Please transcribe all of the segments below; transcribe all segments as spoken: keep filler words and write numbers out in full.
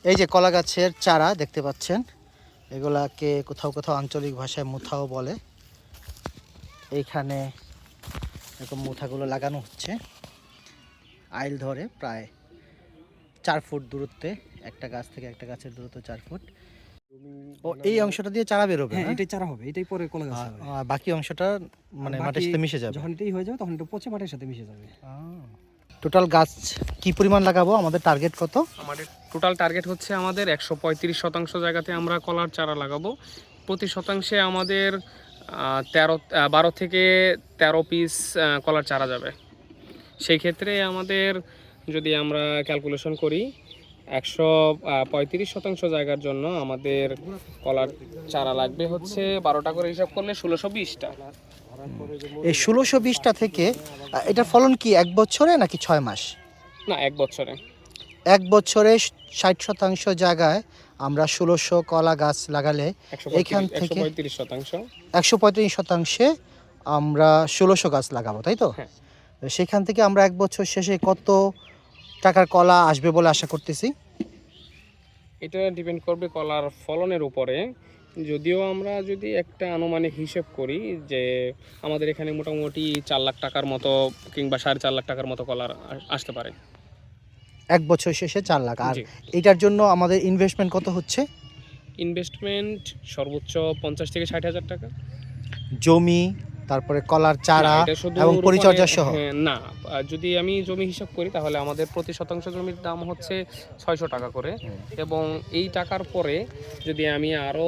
এই যে কলা গাছের চারা দেখতে পাচ্ছেন, এগুলাকে কোথাও কোথাও আঞ্চলিক ভাষায় মুথাও বলে। এইখানে এরকম মুথাগুলো লাগানো হচ্ছে আইল ধরে, প্রায় চার ফুট দূরত্বে, একটা গাছ থেকে একটা গাছের দূরত্ব চার ফুট। ও এই অংশটা দিয়ে চারা বেরোবে? হ্যাঁ, এটাই চারা হবে, এটাই পরে কলা গাছ হবে। আর বাকি অংশটা মানে মাটির সাথে মিশে যাবে? যখন এটাই হয়ে যাবে তখন এটা পচে মাটির সাথে মিশে যাবে। টোটাল গাছ কি পরিমাণ লাগাবো? আমাদের টার্গেট কত? আমাদের টোটাল টার্গেট হচ্ছে আমাদের একশো পঁয়ত্রিশ শতাংশ জায়গাতে আমরা কলার চারা লাগাবো। প্রতি শতাংশে আমাদের তেরো বারো থেকে তেরো পিস কলার চারা যাবে। সেই ক্ষেত্রে আমাদের যদি আমরা ক্যালকুলেশন করি, একশো পঁয়ত্রিশ শতাংশ জায়গার জন্য আমাদের কলার চারা লাগবে হচ্ছে বারোটা করে হিসাব করলে ষোলোশো বিশটা। এই ষোলোশো বিশটা থেকে এটার ফলন কি এক বছরে নাকি ছয় মাস? না, এক বছরে। এক বছরে ষাট শতাংশ জায়গায় আমরা ষোলোশো কলা গাছ লাগালে এখান থেকে পঁয়ত্রিশ শতাংশ একশো পঁয়ত্রিশ শতাংশে আমরা ষোলোশো গাছ লাগাবো, তাই তো? হ্যাঁ। সেখান থেকে আমরা এক বছর শেষে কত টাকার কলা আসবে বলে আশা করতেছি? এটা ডিপেন্ড করবে কলার ফলনের উপরে। যদিও আমরা যদি একটা আনুমানিক হিসেব করি যে আমাদের এখানে মোটামুটি চার লাখ টাকার মতো কিংবা সাড়ে চার লাখ টাকার মতো কলার আসতে পারে এক বছর শেষে চার লাখ। আর এটার জন্য আমাদের ইনভেস্টমেন্ট কত হচ্ছে? ইনভেস্টমেন্ট সর্বোচ্চ পঞ্চাশ থেকে ষাট হাজার টাকা। জমি, তারপরে কলার চারা এবং পরিচর্যা সহ? না, যদি আমি জমি হিসাব করি তাহলে আমাদের প্রতি শতাংশ জমির দাম হচ্ছে ছয়শো টাকা করে, এবং এই টাকার পরে যদি আমি আরো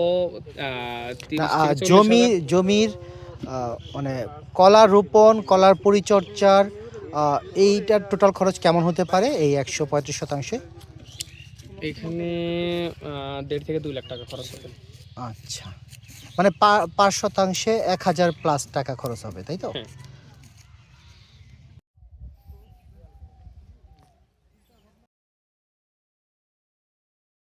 জমি জমির মানে কলা রোপণ, কলার পরিচর্যার এইটার টোটাল খরচ কেমন হতে পারে এই একশো পঁয়ত্রিশ শতাংশে? এখানে দেড় থেকে দুই লাখ টাকা খরচ হবে। আচ্ছা, মানে পাঁচ শতাংশে এক হাজার প্লাস টাকা খরচ হবে, তাই তো?